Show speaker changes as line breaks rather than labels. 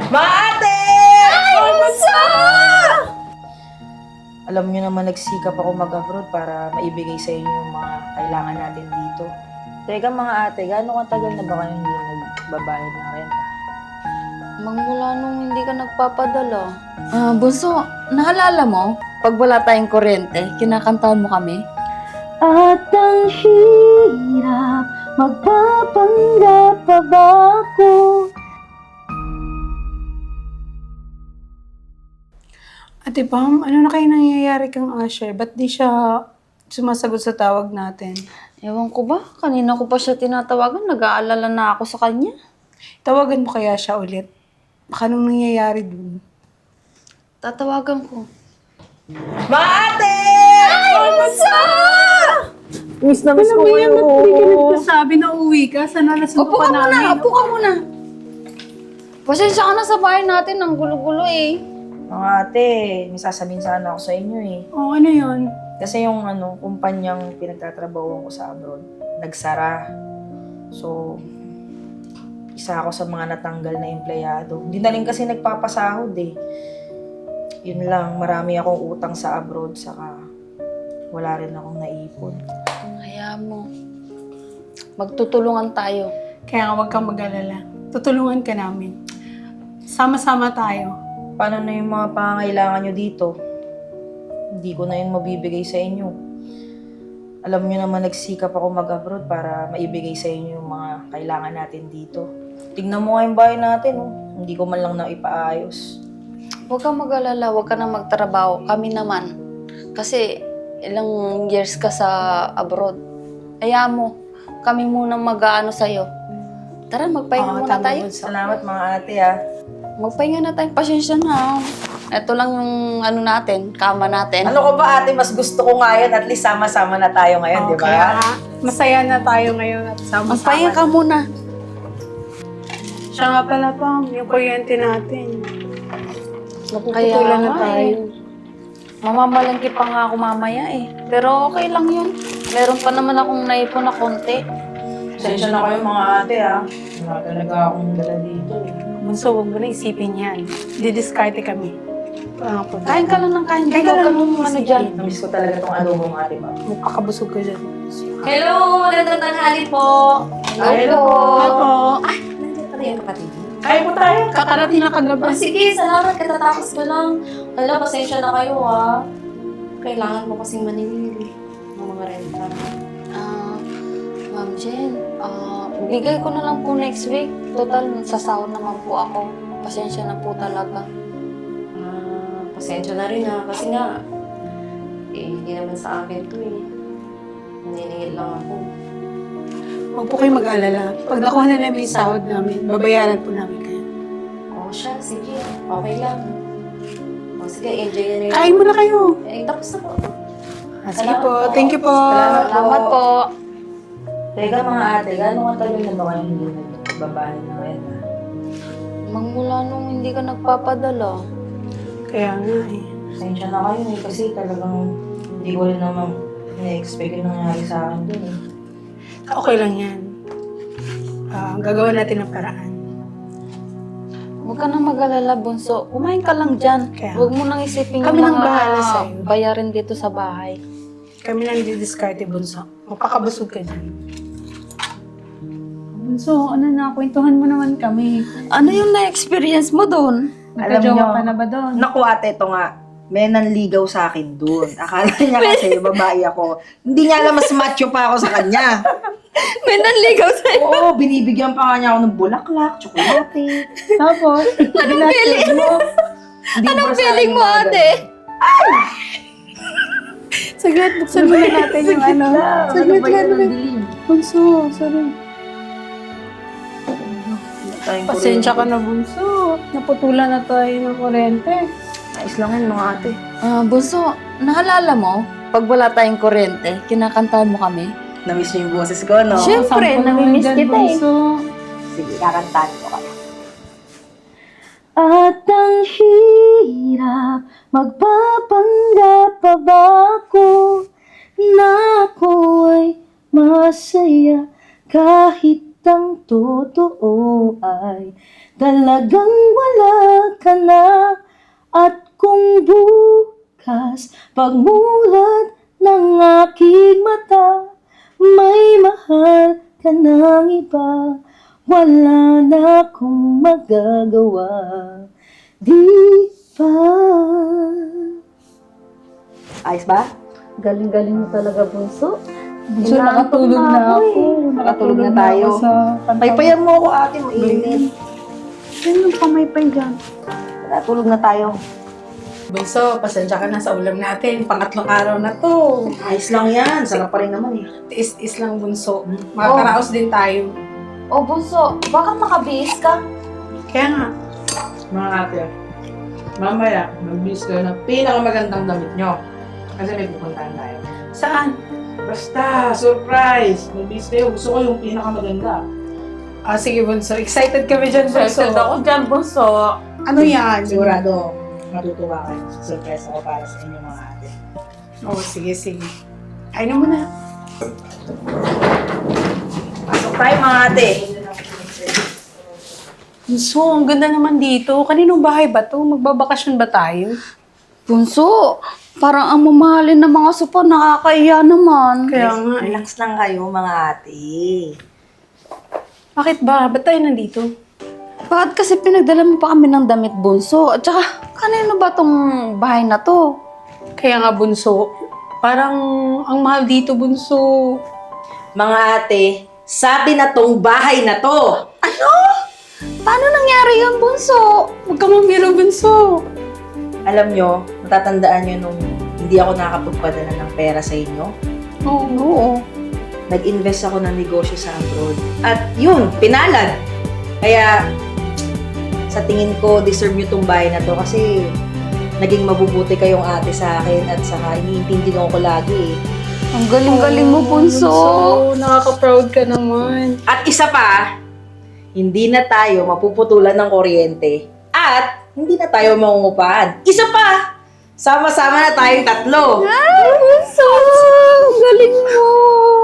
Maate!
Ay, bunso!
Alam niyo naman nagsikap ako mag-abroad para maibigay sa inyo yung mga kailangan natin dito. Teka mga ate, gaano katagal na ba kayo hindi nagbabayad ng renta?
Magmula nung hindi ka nagpapadala. Bunso, naalala mo? Pag wala tayong kuryente, kinakantahan mo kami?
At ang hirap, magpapanggap pa ba ako?
Ate Pam, ano na kayo nangyayari kang Asher? Ba't di siya sumasagot sa tawag natin?
Ewan ko ba? Kanina ko pa siya tinatawagan. Nag-aalala na ako sa kanya.
Tawagan mo kaya siya ulit? Baka nung nangyayari dun.
Tatawagan ko.
Maate!
Ay, bunso!
Miss na miss ko
Alam mo yan,
kayo.
ba't di ka nagsasabi na uwi ka? Sana nasundo
Upo
ka
ka muna!
namin.
Upo ka muna! Pasensya ka na sa bahay natin. Ang gulo-gulo eh.
Mga ate, may sasabihin sana ako sa inyo eh.
Oo, ano yun?
Kasi yung kumpanyang pinagtatrabahuan ko sa abroad, nagsara. So, isa ako sa mga natanggal na empleyado. Hindi na rin kasi nagpapasahod eh. Yun lang, marami akong utang sa abroad, saka wala rin akong naipon.
Hayaan mo. Magtutulungan tayo.
Kaya nga huwag kang mag-alala. Tutulungan ka namin. Sama-sama tayo.
Paano na yung mga pangangailangan nyo dito? Hindi ko na yun mabibigay sa inyo. Alam nyo naman nagsikap ako mag-abroad para maibigay sa inyo yung mga kailangan natin dito. Tignan mo nga yung bahay natin, oh. Hindi ko man lang naipaayos.
Huwag kang mag-alala. Huwag ka na magtrabaho. Kami naman. Kasi ilang years ka sa abroad. Hayaan mo. Kami muna mag-aano sa'yo. Tara, magpahinga
Oo,
muna
tama,
tayo.
Bunso.
Salamat mga ate, ah.
Magpahinga na tayo. Pasensya na. Ito lang yung ano natin, kama natin.
Ano ko ba ate, mas gusto ko nga yun. At least sama-sama na tayo ngayon, di ba?
Kaya nga, masaya na tayo ngayon at sama-sama.
Magpahinga ka muna.
Siya nga pala Pam, yung kuryente natin.
Kaya
Napuputulan na
nga
tayo.
Mamamalangki pa nga ako mamaya eh. Pero okay lang yun. Meron pa naman akong naipon na konti.
Pasensya na kayo mga ate, ah. Wala talaga akong dala dito, eh.
Bunso, huwag mo na isipin yan. Didiskarte kami.
Kain ka lang ng kain.
Kain ka
Huwag
lang.
mong ano dyan.
Namiss ko talaga tong adobong ate, ba?
Magkakabusog ka dyan.
Hello! Magandang tanghali po!
Hello!
Opo.
Nandiyan pala yung kapatid niyo.
Kaya po tayo.
Kakarating na kagabi.
Oh, sige, salamat. Katatapos ko lang. Hala, pasensya na kayo ah. Kailangan mo kasing maningil ng mga renta.
Ma'am Jen, bigay ko na lang po next week. Total, sasahod naman po ako. Pasensya na po talaga.
Pasensya na rin ah. Kasi nga, hindi naman sa akin to eh. Naniningil lang ako.
Huwag po kayo mag-alala. Pag nakuha na namin yung sahod namin, babayaran po namin kayo.
Oh, siya. Sige. Okay lang. Oh, sige, enjoy na rin.
Kain mo na kayo.
Tapos na po.
Sige po. Thank you po.
Salamat po.
Teka mga ate, gano'ng katagal na ba kayo hindi nagbabayad ng renta?
Magmula nung hindi ka nagpapadala.
Kaya nga eh.
Pasensya na kayo eh, kasi talagang hindi ko rin naman na-expect yung nangyari sa akin dun eh.
Okay lang yan. Gagawa natin ng paraan.
Huwag ka nang mag-alala, Bunso. Kumain ka lang dyan.
Kaya-
Huwag mo nang isipin
Kami
yung
nang bahala sa'yo.
bayarin dito sa bahay.
Kami lang didiskarte, Bunso. Magpakabusog ka dyan. Bunso, ano na, kwentuhan mo naman kami.
Ano yung na-experience mo doon?
Nagkajowa ka na ba doon?
Naku ate, ito nga. May nanligaw sa akin dun. Akala niya kasi babae ako. Hindi niya alam, mas macho pa ako sa kanya.
May nanligaw sa'yo.
Oo, binibigyan pa nga niya ako ng bulaklak, tsokolate.
Tapos,
Anong feeling mo? Anong feeling mo, ate?
saglit, buksan muna natin yung ano. Saglit lang. Bunso, sorry. Pasensya ka na, Bunso. Naputulan na tayo ng kurente.
Ayos lang yun mga ate.
Bunso, naalala mo? Pag wala tayong kuryente, kinakantahan mo kami?
Namiss niyo yung boses ko, no?
Siyempre,
Sampo naman
namimiss
dyan,
kita eh.
Bunso.
Sige, kakantahan ko kayo.
At ang hirap, magpapanggap pa ba ako na ako ay masaya kahit ang totoo ay talagang wala ka na. At kung bukas pagmulat ng aking mata, may mahal ka ng iba, wala na akong magagawa. Di ba? Ayos ba? Galing-galing mo talaga, Bunso.
Bunso, nakatulog na ako.
Nakatulog na tayo.
ako sa kanta.
Paypayan mo ako, ate, mainit.
Yan yung pamaypay dyan.
Natulog na tayo.
Bunso, pasensya ka na sa ulam natin. Pangatlong araw na to.
Ayos lang yan. Sarap pa rin naman eh.
Tiis-is lang, Bunso. Makakaraos din tayo.
O Bunso, bakit nakabihis ka?
Kaya nga,
Mga ate, mamaya, mag-bis kayo ng pinakamagandang damit nyo. Kasi may pupuntahan tayo.
saan?
Basta, surprise! Mag-bis kayo. Gusto ko yung pinakamaganda.
Ah, sige, Bunso. Excited kami dyan, Bunso.
dyan, Bunso.
Ano yan?
Sigurado, matutuwa kayo. Surprise ako para sa inyo mga ate.
Oh, sige, sige. Ay na muna.
Pasok tayo mga ate.
Bunso, ang ganda naman dito. Kaninong bahay ba to? Magbabakasyon ba tayo?
Bunso, parang ang mamahalin ng mga sopa, nakakaiya naman.
Kaya nga eh.
Relax lang kayo mga ate.
Bakit ba? Ba't tayo nandito?
Bakit kasi pinagdala mo pa kami ng damit, Bunso? At saka, kanino ba tong bahay na to?
Kaya nga, Bunso. Parang ang mahal dito, Bunso.
Mga ate, sabi na tong bahay na to.
Paano nangyari yan, Bunso?
Huwag ka mamiro, Bunso.
Alam nyo, matatandaan nyo nung hindi ako nakakapagpadala ng pera sa inyo.
Oo.
Nag-invest ako ng negosyo sa abroad. At yun, pinalad. Kaya, sa tingin ko, deserve nyo tong bahay na to kasi naging mabubuti kayong ate sa akin at saka iniintindihan ko lagi eh.
Ang galing-galing mo, Bunso.
Nakaka-proud ka naman.
At isa pa, hindi na tayo mapuputulan ng kuryente at hindi na tayo mangungupahan. Isa pa, sama-sama na tayong tatlo.
Ay, Bunso! Ang galing mo!